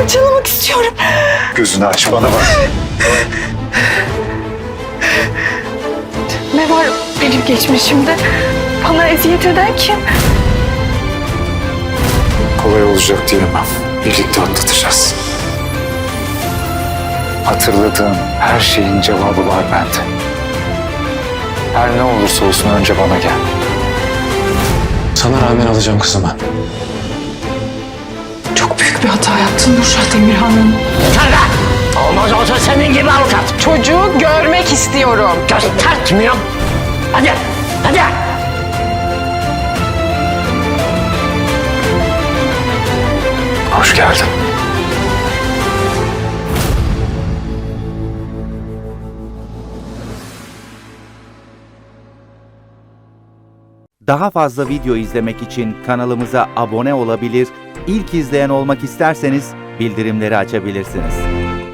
parçalamak istiyorum. Gözünü aç, bana bak. Ne var benim geçmişimde? Bana eziyet eden kim? Kolay olacak diyemem. Birlikte atlatacağız. Hatırladığın her şeyin cevabı var bende. Her ne olursa olsun önce bana gel. Sana rağmen alacağım kızımı. Çok büyük bir hata yaptın Nurşah Demirhan'ın. Kanka! Olmaz olsa senin gibi avukat. Çocuğu görmek istiyorum. Göstertmiyorum. Hadi, hadi. Hoş geldin. Daha fazla video izlemek için kanalımıza abone olabilir, ilk izleyen olmak isterseniz bildirimleri açabilirsiniz.